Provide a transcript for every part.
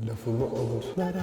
lafımı olur.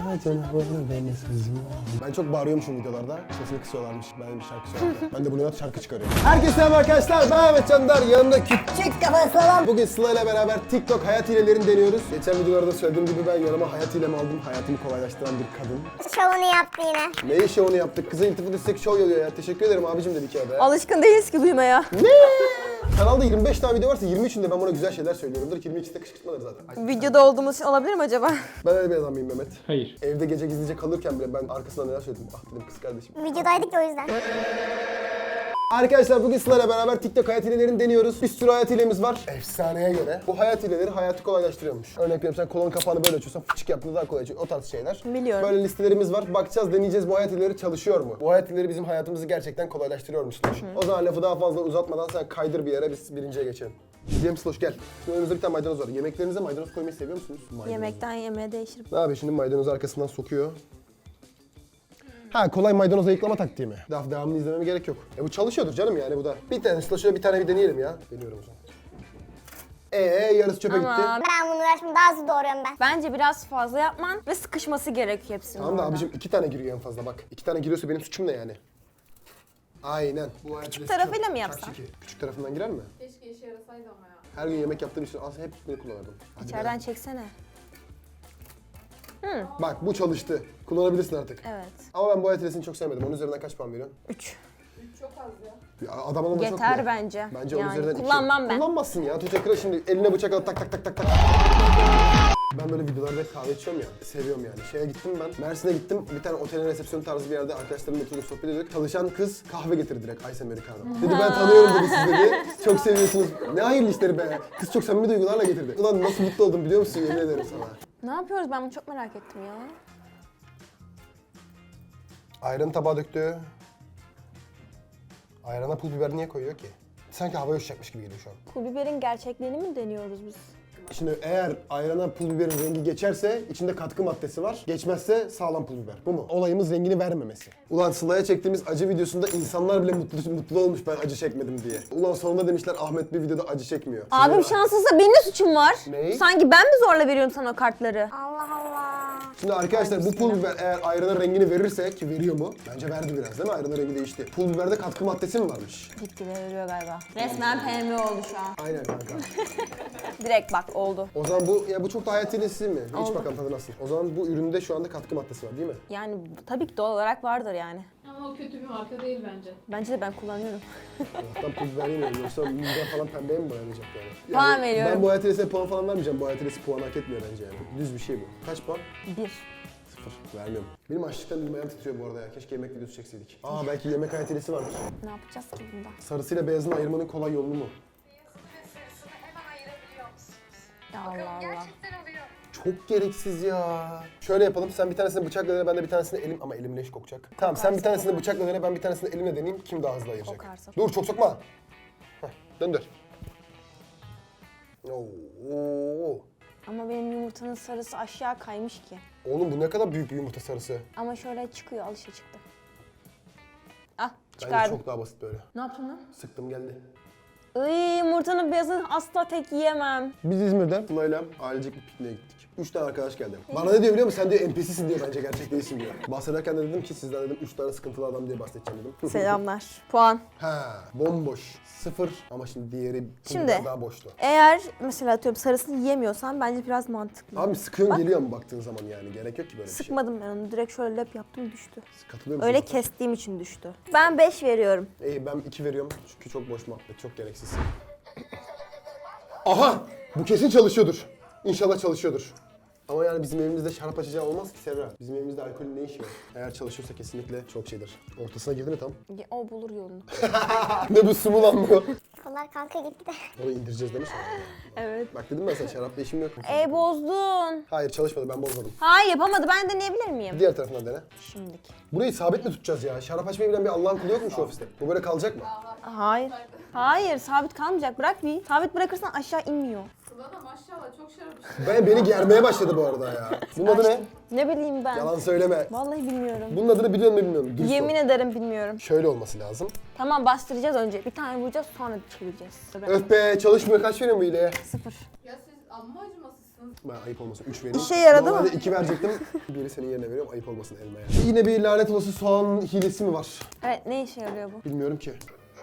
Ben çok bağırıyormuşum videolarda. Sesini kısıyorlarmış. Ben bir şarkı söylüyorum. Ben de bunu şarkı çıkarıyorum. Herkese selam arkadaşlar. Ben Ahmet Candar. Yanımda küçük kafa Sıla. Bugün Sıla ile beraber TikTok hayat hilelerini deniyoruz. Geçen videolarda söylediğim gibi ben yanıma hayat hilemi aldım. Hayatımı kolaylaştıran bir kadın. Şovunu yaptı yine. Neyi şovunu yaptık? Kıza iltifat etsek şov yolluyor ya. Teşekkür ederim abicim dedi ki arada. Alışkın değiliz ki duymaya. Ne? Kanalda 25 tane video varsa 23'ünde ben buna güzel şeyler söylüyorumdur. 22'de kışkırtmaları zaten. Ay, Videoda olduğumuz için olabilir mi acaba? ben öyle bir adam mıyım Mehmet? Hayır. Evde gece gizlice kalırken bile ben arkasından neler söyledim. Ah dedim kız kardeşim. Videodaydık ya o yüzden. Arkadaşlar bugün Sıla ile beraber TikTok hayat hilelerini deniyoruz. Bir sürü hayat hilemiz var. Efsaneye göre. Bu hayat hileleri hayatı kolaylaştırıyormuş. Örnek veriyorum sen kolonun kapağını böyle açıyorsan fıçık yaptığında daha kolay açıyor. O tarz şeyler. Biliyorum. Böyle listelerimiz var. Bakacağız, deneyeceğiz bu hayat hileleri çalışıyor mu? Bu hayat hileleri bizim hayatımızı gerçekten kolaylaştırıyormuş. O zaman lafı daha fazla uzatmadan sen kaydır bir yere biz birinciye geçelim. Cem Sloş gel. Şimdi önümüzde bir tane maydanoz var. Yemeklerinize maydanoz koymayı seviyor musunuz? Maydanoz. Yemekten yemeğe değişir. Ne yapıyor şimdi maydanozu arkasından sokuyor. Ha kolay maydanoz ayıklama taktiği mi? Devamını izlememe gerek yok. Bu çalışıyordur canım yani bu da. Bir tane şöyle bir tane bir deneyelim ya. Deniyorum o zaman. Yarısı çöpe gitti. Ben bunu uğraşmam daha hızlı doğruyorum ben. Bence biraz fazla yapman ve sıkışması gerekiyor hepsinin. Tamam da orada. abicim 2 tane giriyor en fazla bak. 2 tane giriyorsa benim suçum ne yani? Aynen. Küçük tarafıyla mı yapsan? Küçük tarafından girer mi? Keşke işe yarasaydı ama ya. Her gün yemek yaptığım için aslında hep bunu kullanırdım. Hadi İçeriden çeksene. be. Bak bu çalıştı. Kullanabilirsin artık. Evet. Ama ben bu ayetlesini çok sevmedim. Onun üzerinden kaç puan veriyorsun? 3. 3 çok az ya. Adam olma çok Yeter mu? bence. Bence onun Yani üzerinden 2. kullanmam ben. Kullanmazsın ya. Tuğçe Kıra şimdi eline bıçak alıp tak tak tak tak tak. Ben böyle videolarda hep kahve içiyorum ya. Seviyorum yani. Şeye gittim ben. Mersin'e gittim. Bir tane otelin resepsiyon tarzı bir yerde arkadaşlarımla oturduk sohbet ediyorduk. Çalışan kız kahve getirdi direkt Ice Americano. Dedi ben tanıyorum dedi siz dedi. Çok seviyorsunuz. Ne hayırlı işleri be. Kız çok samimi duygularla getirdi. Ulan nasıl mutlu oldum biliyor musun? Yemin ederim sana. Ne yapıyoruz? Ben bunu çok merak ettim ya. Ayranı tabağa döktü. Ayrana pul biber niye koyuyor ki? Sanki havaya uçacakmış gibi geliyor şu an. Pul biberin gerçekliğini mi deniyoruz biz? Şimdi eğer ayrana pul biberin rengi geçerse içinde katkı maddesi var. Geçmezse sağlam pul biber. Bu mu? Olayımız rengini vermemesi. Ulan Sıla'ya çektiğimiz acı videosunda insanlar bile mutlu olmuş ben acı çekmedim diye. Ulan sonunda demişler Ahmet bir videoda acı çekmiyor. Abim şanssızsa benim de suçum var. Ne? Sanki ben mi zorla veriyorum sana o kartları? Allah Allah. Şimdi arkadaşlar bu pul biber eğer ayrana rengini verirse ki veriyor mu? Bence verdi biraz değil mi? Ayranın rengi değişti. Pul biberde katkı maddesi mi varmış? Gitgide veriyor galiba. Resmen PM oldu şu an. Aynen kanka. Direkt bak oldu. O zaman bu çok da hayat hilesi mi? İç bakalım tadı nasıl. O zaman bu üründe şu anda katkı maddesi var değil mi? Yani tabii ki doğal olarak vardır yani. Ama o kötü bir marka değil bence. Bence de ben kullanıyorum. Allah'tan pul biber yemiyorum. Yoksa mide falan pembeye mi boyanacak yani? Puan veriyorum. Ben bu hayat hilesine puan falan vermeyeceğim. Bu hayat hilesi puan hak etmiyor bence yani. Düz bir şey bu. Kaç puan? 1. 0. Vermiyorum. Benim açlıktan dilim ayağım titriyor bu arada ya. Keşke yemek videosu çekseydik. Belki yemek hayat hilesi vardır. Ne yapacağız ki bunda? Sarısıyla beyazını ayırmanın kolay yolu mu? Ya Allah Allah. Çok gereksiz ya. Şöyle yapalım. Sen bir tanesini bıçakla dene, ben de bir tanesini elim... Ama elim leş kokacak. Tamam sen bir tanesini bıçakla dene, ben bir tanesini elimle deneyeyim. Kim daha hızlı ayıracak? Kokarsa. Dur çok sokma. Heh, döndür. Oo. Ama benim yumurtanın sarısı aşağı kaymış ki. Oğlum bu ne kadar büyük bir yumurta sarısı. Ama şöyle çıkıyor, alışa çıktı. Ah, Bence çıkardım. çok daha basit böyle. Ne yaptın lan? Sıktım geldi. Iy, yumurtanın beyazını asla tek yiyemem. Biz İzmir'den Tuna'yla ailecek bir pikniğe gittik. 3 tane arkadaş geldi. Bana ne diyor biliyor musun? Sen diyor NPC'sin diyor bence gerçek değilsin diyor. Bahsederken de dedim ki sizden dedim 3 tane sıkıntılı adam diye bahsedeceğim dedim. Selamlar. Puan. Ha, bomboş. 0 ama şimdi diğeri Şimdi. daha boştu. Eğer mesela atıyorum sarısını yiyemiyorsan bence biraz mantıklı. Abi sıkıyorsun geliyor mu baktığın zaman yani? Gerek yok ki böyle bir şey. Sıkmadım ben onu. Direkt şöyle lap yaptım düştü. Katılıyor musun? Öyle kestiğim için düştü. Ben 5 veriyorum. İyi ben 2 veriyorum çünkü çok boş muhabbet, çok gereksiz. Aha! Bu kesin çalışıyordur. İnşallah çalışıyordur. Ama yani bizim evimizde şarap açacağı olmaz ki Serra. Bizim evimizde alkolün ne işi var? Eğer çalışıyorsa kesinlikle çok şeydir. Ortasına girdi mi tam? O bulur yolunu. Ne bu su mu lan bu? Bunlar kanka gitti de. Onu indireceğiz değil mi sonra? Evet. Bak dedim ben sana şarapla işim yok. Bozdun. Hayır çalışmadı ben bozmadım. Hayır yapamadı. Ben deneyebilir miyim? Diğer tarafından dene. Şimdilik. Burayı sabit mi tutacağız ya? Şarap açmayı bilen bir Allah'ın kulu yok mu şu ofiste? Bu böyle kalacak mı? Hayır. Hayır sabit kalmayacak. Bırak bir. Sabit bırakırsan aşağı inmiyor. Sıla da maşallah çok şarap içti. Beni germeye başladı bu arada ya. Bunun adı ne? Ne bileyim ben. Yalan söyleme. Vallahi bilmiyorum. Bunun adını biliyor musun bilmiyorum. Dürüst ol. Yemin ederim bilmiyorum. Şöyle olması lazım. Tamam bastıracağız önce. Bir tane vuracağız sonra çevireceğiz. Öf be çalışmıyor kaç veriyorsun bu hileye? 0. Ya siz amma acımasızsınız Ben ayıp olmasın 3 vereyim. İşe yaradı mı? Normalde 2 verecektim. Biri senin yerine veriyorum ayıp olmasın elmaya. Yine bir lanet olası soğan hilesi mi var? Evet, ne işe yarıyor bu? Bilmiyorum ki.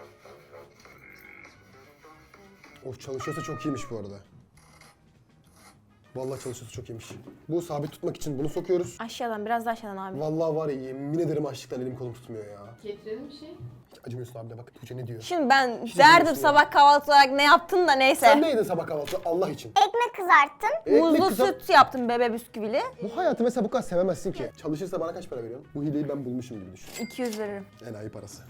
Of çalışıyorsa çok iyiymiş bu arada. Vallahi çalışıyorsa çok iyiymiş. Bu sabit tutmak için bunu sokuyoruz. Aşağıdan, biraz daha aşağıdan abi. Vallahi var ya yemin ederim açlıktan elim kolum tutmuyor ya. Getirelim bir şey. Hiç acımıyorsun abi de bak Tuğçe ne diyor. Şimdi ben Hiç derdim acımıyorsun sabah kahvaltı olarak ne yaptın da neyse. Sen ne yedin sabah kahvaltıda Allah için? Ekmek kızarttın. Muzlu kızar- süt yaptım bebe bisküvili. Bu hayatı mesela bu kadar sevemezsin ki. Çalışırsa bana kaç para veriyorsun? Bu hileyi ben bulmuşum gibi düşün. 200 veririm. Enayi parası.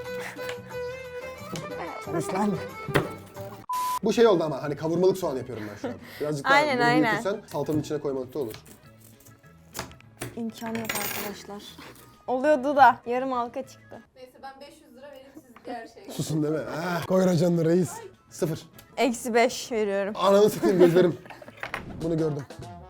Çalış lan. Bu şey oldu ama hani kavurmalık soğan yapıyorum ben şu an. Birazcık daha Aynen, bunu aynen. büyütürsen salatanın içine koymalık da olur. İmkanı yok arkadaşlar. Oluyordu da yarım halka çıktı. Neyse ben 500 lira vereyim siz diğer şeye. Susun deme. Koy racanını reis. 0. Eksi 5 veriyorum. Ananı sıkayım gözlerim. Bunu gördüm.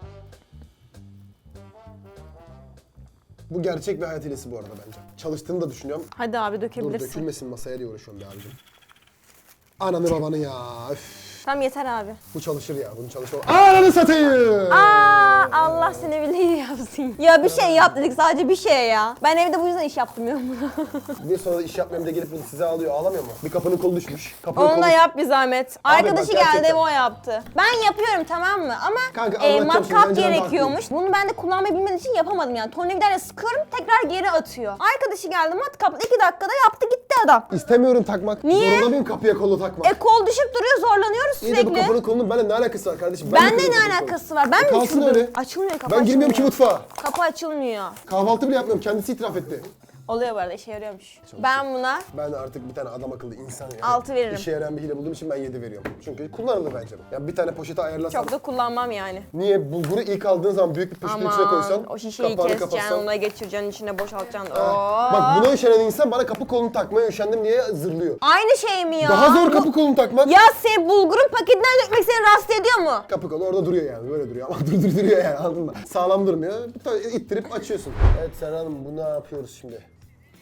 Bu gerçek bir hayat hilesi bu arada bence. Çalıştığını da düşünüyorum. Hadi abi Dur dökebilirsin. dökülmesin masaya diye uğraşıyorum be abicim. Ananı babanı ya. Üf. Tamam yeter abi. Bu çalışır ya. Bunu çalışma. Ananı satayım. Aa, Allah seni bildiğini yapsın. Ya bir şey yap dedik sadece bir şey ya. Ben evde bu yüzden iş yaptırmıyorum. Bir sonra da iş yapmayayım da gelip bunu size alıyor. Ağlamıyor mu? Bir kapının kolu düşmüş. Kapının Onu da kolu... yap bir zahmet. Arkadaşı bak, gerçekten. geldi o yaptı. Ben yapıyorum tamam mı? Ama Kanka, anlatacağım şimdi, matkap bence ben de gerekiyormuş. Bunu ben de kullanmayı bilmediğim için yapamadım yani. Tornavidarla sıkıyorum tekrar geri atıyor. Arkadaşı geldi matkapla 2 dakikada yaptı gitti adam. İstemiyorum takmak. Niye? Zorunda mıyım kapıya kolu takmak? Kol düşüp duruyor zorlanıyoruz İyi de bu sürekli. kapının kolunun benimle ne alakası var kardeşim? Bende de ne kırıyorum kapının alakası var? Ben mi kalsın düşürdüm? öyle. Açılmıyor kapı Ben girmiyorum ki açılmıyor. mutfağa. Kapı açılmıyor. Kahvaltı bile yapmıyorum. Kendisi itiraf etti. Oluyor bu arada işe yarıyormuş. Ben buna Ben artık bir tane adam akıllı insan yani. 6 veririm. İşe yarayan bir hile bulduğum için ben 7 veriyorum. Çünkü kullanılır bence bu. Ya bir tane poşete ayarlasam. çok da kullanmam yani. Niye? Bulguru ilk aldığın zaman büyük bir poşetin içine koysan. o şişeyi kapağını keseceksin, kapatsan. ona geçireceksin, içine boşaltacaksın. Bak buna üşenen insan bana kapı kolunu takmaya üşendim diye zırlıyor. Aynı şey mi ya? Daha zor kapı kolunu takmak. Ya sen bulgurun paketinden dökmek seni rahatsız ediyor mu? Kapı kolu orada duruyor yani böyle duruyor ama duruyor yani anladın mı? Sağlam durmuyor. İttirip açıyorsun. Evet Serra Hanım bu ne yapıyoruz şimdi?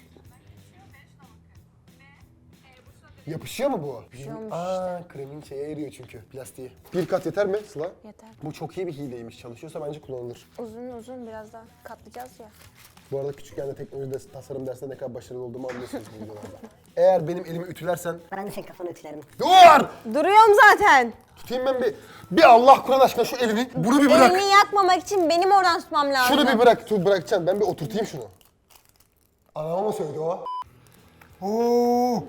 Yapışıyor mu bu? Yapışıyormuş Kremin şeye eriyor çünkü plastiği. Bir kat yeter mi Sıla? Yeter. Bu çok iyi bir hileymiş. Çalışıyorsa bence kullanılır. Uzun uzun biraz daha katlayacağız ya. Bu arada küçükken de teknoloji tasarım dersinde ne kadar başarılı olduğumu anlıyorsunuz bu videolarda. Eğer benim elimi ütülersen... Ben de senin kafanı ütülerim. Dur! Duruyorum zaten. Tutayım ben bir Allah Kur'an aşkına şu elini. Bunu bir bırak. Elini yakmamak için benim oradan tutmam lazım. Şunu bir bırak. Bırakacaksın. Ben bir oturtayım şunu. Anama mı söyledi o? Oo.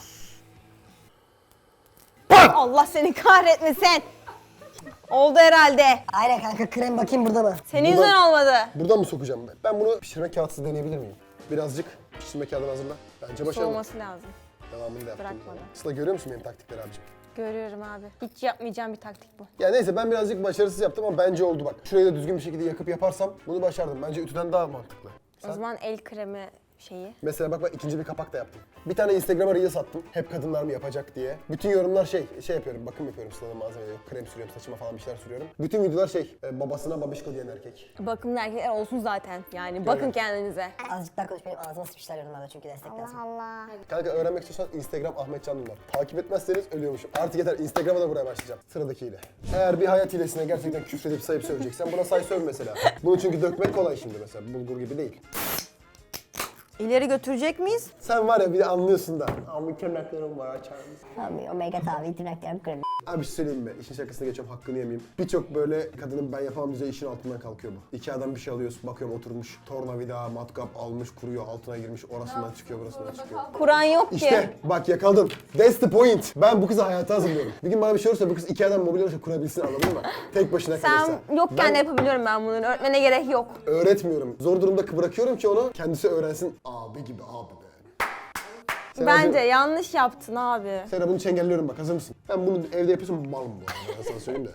Allah seni kahretmesin. Oldu herhalde. Aynen kanka krem bakayım burada mı? Senin Buradan- yüzünden olmadı. Buradan mı sokacağım ben? Ben bunu pişirme kağıtsız deneyebilir miyim? Birazcık pişirme kağıdını hazırla. Bence başarılı. Soğuması lazım. Devamını da yaptım. Bırakmadan. Sıla görüyor musun benim taktikleri abicim? Görüyorum abi. Hiç yapmayacağım bir taktik bu. Ya neyse ben birazcık başarısız yaptım ama bence oldu bak. Şurayı da düzgün bir şekilde yakıp yaparsam bunu başardım. Bence ütüden daha mantıklı. O zaman el kremi şeyi. Mesela bak ben ikinci bir kapak da yaptım. Bir tane Instagram'a reel sattım. Hep kadınlar mı yapacak diye. Bütün yorumlar şey yapıyorum. Bakım yapıyorum Sıla'nın malzemeleri. Krem sürüyorum, saçıma falan bir şeyler sürüyorum. Bütün videolar babasına babişko diyen erkek. Bakımlı erkekler olsun zaten. Yani bakın kendinize. Azıcık daha konuş benim ağzıma sıçmışlar yorumlarda çünkü destek lazım. Allah. Kanka öğrenmek istiyorsan Instagram Ahmet Can Duman. Takip etmezseniz ölüyormuşum. Artık yeter Instagram'a da buraya başlayacağım. Sıradakiyle. Eğer bir hayat hilesine gerçekten küfredip sayıp söyleyeceksen buna say söv mesela. Bunu çünkü dökmek kolay şimdi mesela. Bulgur gibi değil. İleri götürecek miyiz? Sen var ya bir de anlıyorsun da. Ama tırnaklarım var açar mısın? Abi omega tabi tırnaklarım krem. Abi bir şey söyleyeyim mi? İşin şakasına geçiyorum hakkını yemeyeyim. Birçok böyle kadının ben yapamam diyeceği işin altından kalkıyor bu. İki adam bir şey alıyorsun bakıyorum oturmuş. Tornavida, matkap almış kuruyor altına girmiş orasından çıkıyor burasından çıkıyor. Kur'an yok ki. İşte bak yakaladın. That's the point. Ben bu kızı hayata hazırlıyorum. Bir gün bana bir şey olursa bu kız iki adam mobilya olursa kurabilsin anladın mı? Tek başına kalırsa. Sen yokken de yapabiliyorum ben bunu. Öğretmene gerek yok. Öğretmiyorum. Zor durumda bırakıyorum ki onu kendisi öğrensin. Abi gibi abi be. Sen Bence yanlış yaptın abi. Sera bunu çengelliyorum bak hazır mısın? Ben bunu evde yapıyorsam malım bu arada ben sana söyleyeyim de.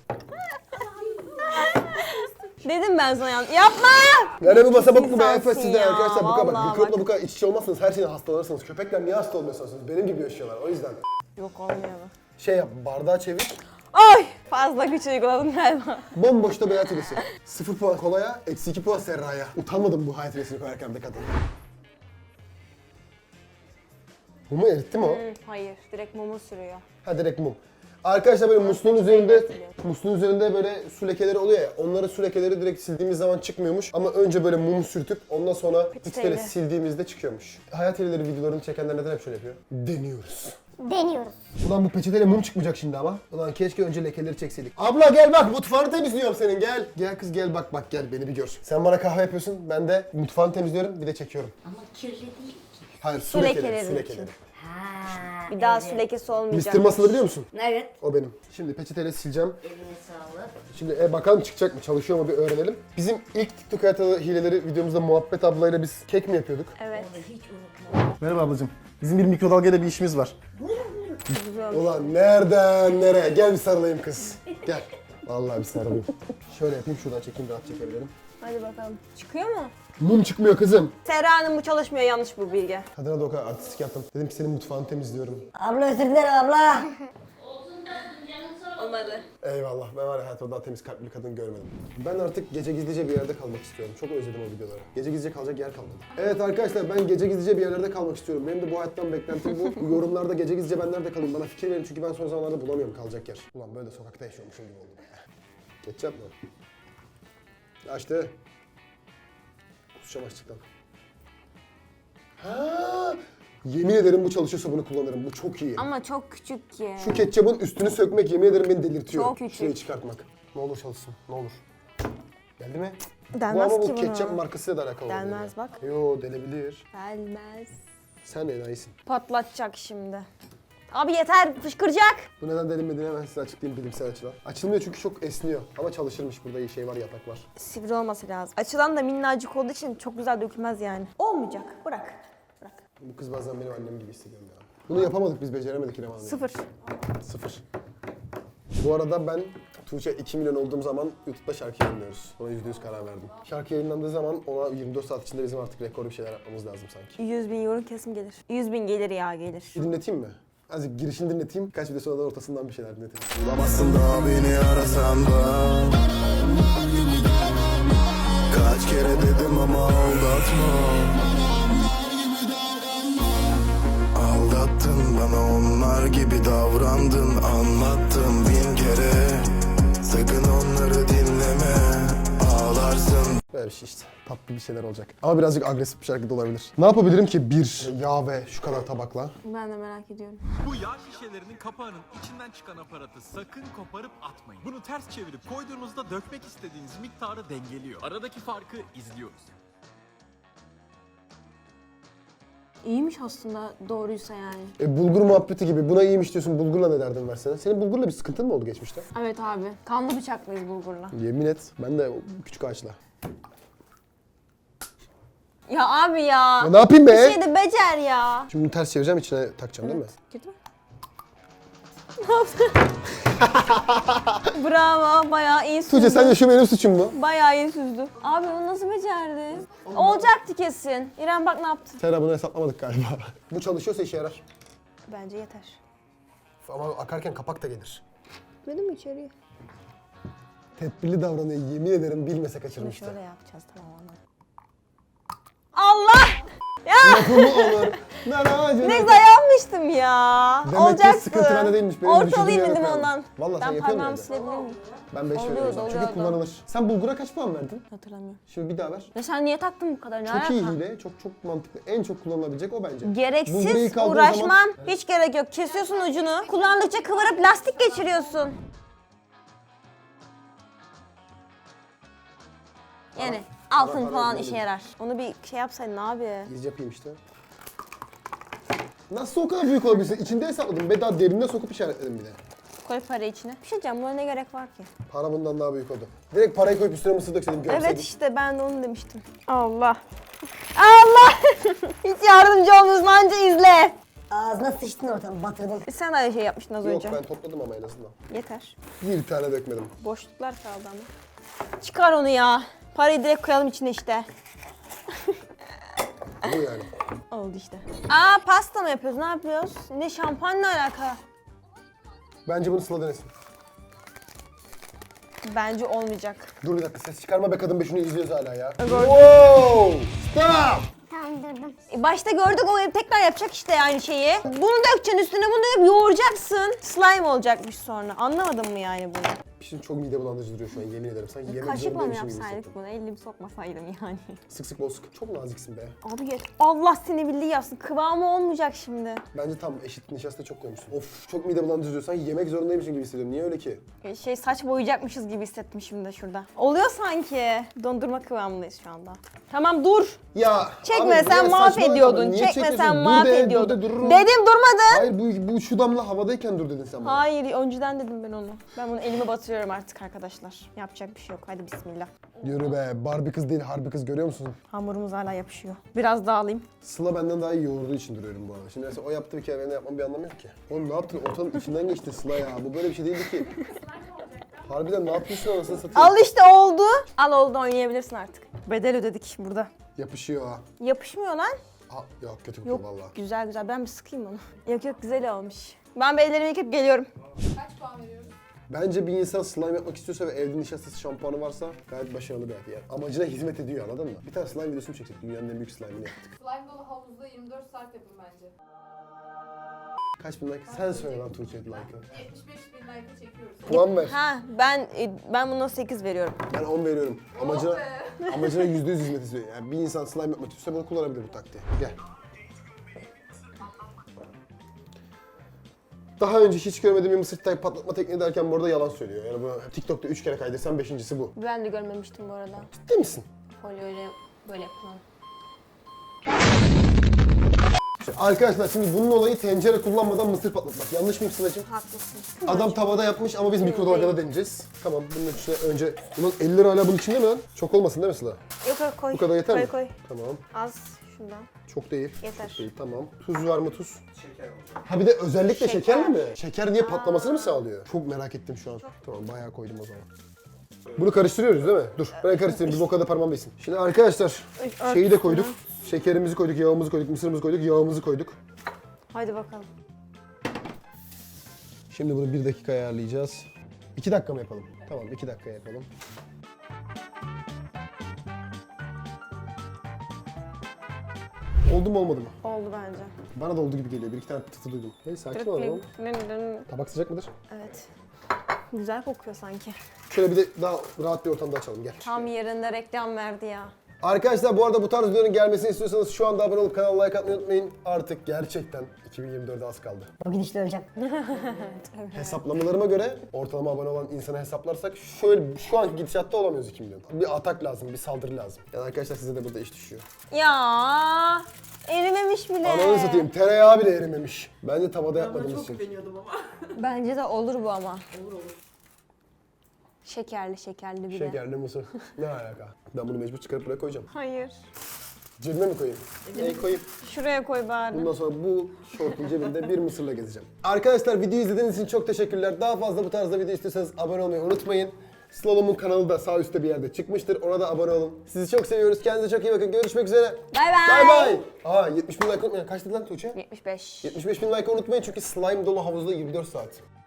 Dedim ben sana yanlış. Yapma! Yani bu masa bakın bu İnsansın efes sizden ya, arkadaşlar bu kadar bak. vallahi Mikropla bak. bu kadar iç içe olmazsanız her şeyden hastalanırsınız. Köpekler niye hasta olmuyorsunuz? Benim gibi yaşıyorlar o yüzden. Yok olmuyor bu. Şey yap bardağı çevir. Ay! Fazla güç uyguladım galiba. Bomboş da bir hayat hilesi. 0 puan kolaya, eksi 2 puan Serra'ya. Utanmadım bu hayat hilesini koyarken de kadın. Mumu eritti mi o? Hayır, direkt mumu sürüyor. Ha direkt mum. Arkadaşlar böyle musluğun üzerinde böyle su lekeleri oluyor ya. Onları su lekeleri direkt sildiğimiz zaman çıkmıyormuş. Ama önce böyle mum sürtüp ondan sonra peçeteyle sildiğimizde çıkıyormuş. Hayat hilleri videolarını çekenler neden hep şöyle yapıyor? Deniyoruz. Deniyoruz. Ulan bu peçeteyle mum çıkmayacak şimdi ama. Ulan keşke önce lekeleri çekseydik. Abla gel bak, mutfağını temizliyorum senin, gel. Gel kız gel, bak gel beni bir gör. Sen bana kahve yapıyorsun, ben de mutfağını temizliyorum, bir de çekiyorum. Ama kirli değil ki. Hayır, su Su lekeleri, lekeleri su için. lekeleri. Ha. Bir daha su lekesi olmayacak. Mr. Muscle'ı biliyor musun? Evet. O benim. Şimdi peçeteyle sileceğim. Eline sağlık. Şimdi bakalım çıkacak mı, çalışıyor mu bir öğrenelim. Bizim ilk TikTok hayatı hileleri videomuzda Muhabbet ablayla biz kek mi yapıyorduk? Evet. Onu hiç unutma. Merhaba ablacığım. Bizim bir mikrodalgayla bir işimiz var. Ulan nereden nereye? Gel bir sarılayım kız. Gel. Vallahi bir sarılayım. Şöyle yapayım, şuradan çekeyim, rahat çekebilirim. Hadi bakalım. Çıkıyor mu? Mum çıkmıyor kızım. Serra Hanım bu çalışmıyor, yanlış bu bilgi. Kadına da o kadar artistik yaptım. Dedim ki senin mutfağını temizliyorum. Abla özür dilerim abla. Olmadı. Eyvallah. Ben var ya hayatımda daha temiz kalpli bir kadın görmedim. Ben artık gece gizlice bir yerde kalmak istiyorum. Çok özledim o videoları. Gece gizlice kalacak yer kalmadı. Evet arkadaşlar, ben gece gizlice bir yerlerde kalmak istiyorum. Benim de bu hayattan beklentim bu. Bu yorumlarda gece gizlice ben nerede kalayım? Bana fikir verin çünkü ben son zamanlarda bulamıyorum kalacak yer. Ulan böyle de sokakta yaşıyormuşum gibi oldu be. Ketçap mı? Açtı. Kusacağım açlıktan. Ha! Yemin ederim bu çalışıyorsa bunu kullanırım. Bu çok iyi. Ama çok küçük ki. Şu ketçapın üstünü sökmek yemin ederim beni delirtiyor. Çok küçük. Şurayı çıkartmak. Ne olur çalışsın, ne olur. Geldi mi? Delmez bu ama ki bu bunu. ketçap markasıyla da alakalı. Delmez oluyor. bak. Yo, delebilir. Gelmez. Sen de enayisin. Patlatacak şimdi. Abi yeter, fışkıracak. Bu neden delinmediğini hemen size açıklayayım bilimsel açıdan. Açılmıyor çünkü çok esniyor. Ama çalışırmış, burada iyi şey var, yatak var. Sivri olması lazım. Açılan da minnacık olduğu için çok güzel dökülmez yani. Olmayacak. Bırak. Bırak. Bu kız bazen benim annem gibi hissediyorum ya. Bunu yapamadık biz, beceremedik İrem Hanım. 0. 0. Bu arada ben Tuğçe 2 milyon olduğum zaman YouTube'da şarkı yayınlıyoruz. Ona %100 karar verdim. Şarkı yayınlandığı zaman ona 24 saat içinde bizim artık rekor bir şeyler yapmamız lazım sanki. 100.000 euro kesin gelir. 100.000 gelir ya, gelir. Bir dinleteyim mi? Azıcık girişini dinleteyim. Kaç video sonra da ortasından bir şeyler dinleteyim. Bulamazsın da beni arasan da. Kaç kere dedim ama aldatma. Aldattın bana, onlar gibi davrandın. Anlattım bin kere. Sakın onları dinleme. Ağlarsın. Böyle bir şey işte. Tatlı bir şeyler olacak. Ama birazcık agresif bir şarkı da olabilir. Ne yapabilirim ki? Bir yağ ve şu kadar tabakla. Ben de merak ediyorum. Bu yağ şişelerinin kapağının içinden çıkan aparatı sakın koparıp atmayın. Bunu ters çevirip koyduğunuzda dökmek istediğiniz miktarı dengeliyor. Aradaki farkı izliyoruz. İyiymiş aslında, doğruysa yani. Bulgur muhabbeti gibi. Buna iyiymiş diyorsun. Bulgurla ne derdin versene? Senin bulgurla bir sıkıntın mı oldu geçmişte? Evet abi. Kanlı bıçaklıyız bulgurla. Yemin et. Ben de o küçük ağaçla. Ya abi ya. Ya ne yapayım be? Bir şey de becer ya. Şimdi bunu ters çevireceğim, içine takacağım değil mi? Kötü mü? Ne yaptın? Bravo, bayağı iyi süzdü. Tuğçe sence şu benim suçum mu? Bayağı iyi süzdü. Abi bunu nasıl becerdi? Olacaktı kesin. İrem bak ne yaptı. Serra bunu hesaplamadık galiba. Bu çalışıyorsa işe yarar. Bence yeter. Ama akarken kapak da gelir. Dedim mi içeriye? Tedbirli davranıyor. Yemin ederim bilmese Şimdi kaçırmıştı. şöyle yapacağız, tamam anladım. Allah! Lafımı olur. Ne güzel yapmıştım ya. Demek ki Olacaktı. sıkıntı bende değilmiş. Benim Ortalayayım düşündüğüm yere dedim koyalım. ondan. Vallahi sen Ben yapıyor parmağımı musun? silebilir miyim? Ben 5 Oluyordu, veriyorum. Çünkü oluyordu. kullanılır. Sen bulgura kaç puan verdin? Hatırlamıyorum. Şimdi bir daha ver. Ya sen niye taktın bu kadar? Ne Çok iyi alaka? hile. Çok mantıklı. En çok kullanılabilecek o bence. Bulguru Gereksiz ilk aldığın uğraşmam. zaman- Hiç gerek yok. Kesiyorsun ucunu. Kullandıkça kıvırıp lastik geçiriyorsun. Yani altın para falan ödemedim. işe yarar. Onu bir şey yapsaydın abi. Biz yapayım işte. Nasıl o kadar büyük olabilirsin? İçinde hesapladım. Ben daha derinine sokup işaretledim bir de. Koy parayı içine. Bir şey diyeceğim, buna ne gerek var ki? Para bundan daha büyük oldu. Direkt parayı koyup üstüne mısır dökseydim, görseydim. Evet işte ben de onu demiştim. Allah. Allah! Hiç yardımcı olmuyorsun, anca izle. Ağzına sıçtın ortadan, batırdın. Sen de aynı şey yapmıştın az Yok önce. ben topladım ama en azından. Yeter. Bir tane dökmedim. Boşluklar kaldı ama. Çıkar onu ya. Parayı direkt koyalım içine işte. Bu yani. Oldu işte. Aa, pasta mı yapıyoruz? Ne yapıyoruz? Ne, şampuanla alaka? Bence bunu Sıla denesin. Bence olmayacak. Dur bir dakika, ses çıkarma be kadın be, şunu izliyoruz hala ya. Gördüm. Wow! Stop! Tamam Döndürdüm. Başta gördük o tekrar yapacak işte aynı şeyi. Bunu dökeceksin üstüne bunu döküp yoğuracaksın. Slime olacakmış sonra. Anlamadın mı yani bunu? Şimdi çok mide bulandırıcı duruyor şu an yemin ederim. Sanki yemek Kaşıkla mı zorundaymışım gibi yapsaydık hissettim. bunu? Elimi sokmasaydım yani. Sık sık bol sık. Çok naziksin be. Abi geç. Allah seni bildiği yapsın. Kıvamı olmayacak şimdi. Bence tam eşit nişasta çok koymuşsun. Of çok mide bulandırıcı duruyor. Sanki yemek zorundaymışım gibi hissediyorum. Niye öyle ki? Saç boyayacakmışız gibi hissettim şimdi şurada. Oluyor sanki. Dondurma kıvamındayız şu anda. Tamam dur. Ya Çekme abi, sen buraya mahvediyordun. saçmalama. Niye Çekme çekiyorsun? sen Dur mahvediyordun. de, dururum. Dedim durmadın. Hayır bu şu damla havadayken dur dedin sen bana. Hayır önceden dedim ben onu. Ben bunu elime batırıyorum artık arkadaşlar. Yapacak bir şey yok. Hadi bismillah. Yürü be. Barbie kız değil harbi kız görüyor musun? Hamurumuz hala yapışıyor. Biraz daha alayım. Sıla benden daha iyi yoğurduğu için duruyorum bu arada. Şimdi mesela o yaptı bir kere benim de yapmam bir anlamı yok ki. Oğlum ne yaptın? Ortanın içinden geçti Sıla ya. Bu böyle bir şey değildi ki. Harbiden ne yapıyorsun anasını satayım? Al işte oldu. Al oldu oynayabilirsin artık. Bedel ödedik burada. Yapışıyor ha. Yapışmıyor lan. Ha yok kötü kokuyor Yok valla. güzel güzel ben bir sıkayım onu. Yok yok güzel olmuş. Ben bir ellerimi yıkayıp geliyorum. Kaç puan veriyoruz? Bence bir insan slime yapmak istiyorsa ve evde nişastası şampuanı varsa gayet başarılı bir hayat yani. Amacına hizmet ediyor anladın mı? Bir tane slime videosunu çektik. Dünyanın en büyük slime'ını yaptık. Slime dolu havuzda 24 saat yapın bence. Kaç bin like? Sen söyle lan Tuğçe like'ı. 75 bin like çekiyoruz. Puan ver. Ha ben buna 8 veriyorum. Ben 10 veriyorum. Amacına Oh be. amacına %100 hizmet ediyor. Yani bir insan slime yapmak istiyorsa bunu kullanabilir bu taktiği. Gel. Daha önce hiç görmediğim bir mısır patlatma tekniği derken bu arada yalan söylüyor. Yani bu TikTok'ta 3 kere kaydırsan 5.'si bu. Ben de görmemiştim bu arada. Ciddi misin? Folyoyla böyle yapılan. Arkadaşlar şimdi bunun olayı tencere kullanmadan mısır patlatmak. Yanlış mıyım Sıla'cığım? Haklısın. Adam tavada yapmış ama biz mikrodalgada deneyeceğiz. Tamam bunun içine önce... Bunun 50 lira hala bunun içinde mi lan? Çok olmasın değil mi Sıla? Yok yok koy. Bu kadar yeter koy, mi? Koy Tamam. Az şundan. Çok değil. Yeter. Çok değil tamam. Tuz var mı tuz? Şeker olacak. Ha bir de özellikle şekerli mi? Şeker niye patlamasını mı sağlıyor? Çok merak ettim şu an. Tamam bayağı koydum o zaman. Bunu karıştırıyoruz değil mi? Dur ben karıştırayım bir bokada parmağım değsin. Şimdi arkadaşlar şeyi de koyduk. Şekerimizi koyduk, yağımızı koyduk, mısırımızı koyduk, yağımızı koyduk. Haydi bakalım. Şimdi bunu 1 dakika ayarlayacağız. 2 dakika mı yapalım? Tamam 2 dakika yapalım. Oldu mu olmadı mı? Oldu bence. Bana da oldu gibi geliyor. Bir iki tane pıtı duydum. Hey sakin ol oğlum. Tabak sıcak mıdır? Evet. Güzel kokuyor sanki. Şöyle bir de daha rahat bir ortamda açalım gel. Tam yerinde reklam verdi ya. Arkadaşlar bu arada bu tarz videoların gelmesini istiyorsanız şu anda abone olup kanala like atmayı unutmayın. Artık gerçekten 2024'e az kaldı. O gidişle öleceğim. Hesaplamalarıma göre ortalama abone olan insana hesaplarsak şöyle şu anki gidişatta olamıyoruz 2 milyon. Bir atak lazım, bir saldırı lazım. Yani arkadaşlar size de burada iş düşüyor. Ya erimemiş bile. Ananı satayım tereyağı bile erimemiş. Bence tavada yapmadığımız için. Bence de olur bu ama. Olur. Şekerli bir de. Şekerli mısır. Ne alaka? Ben bunu mecbur çıkarıp buraya koyacağım. Hayır. Cebime mi koyayım? Neyi koyayım? Şuraya koy bari. Bundan sonra bu şortun cebinde bir mısırla gezeceğim. Arkadaşlar videoyu izlediğiniz için çok teşekkürler. Daha fazla bu tarzda video istiyorsanız abone olmayı unutmayın. Slalom'un kanalı da sağ üstte bir yerde çıkmıştır. Ona da abone olun. Sizi çok seviyoruz. Kendinize çok iyi bakın. Görüşmek üzere. Bay bay. Bay bay. Aa 70 bin like unutmayın. Kaçtı lan Tuğçe? 75. 75 bin like unutmayın çünkü slime dolu havuzda 24 saat.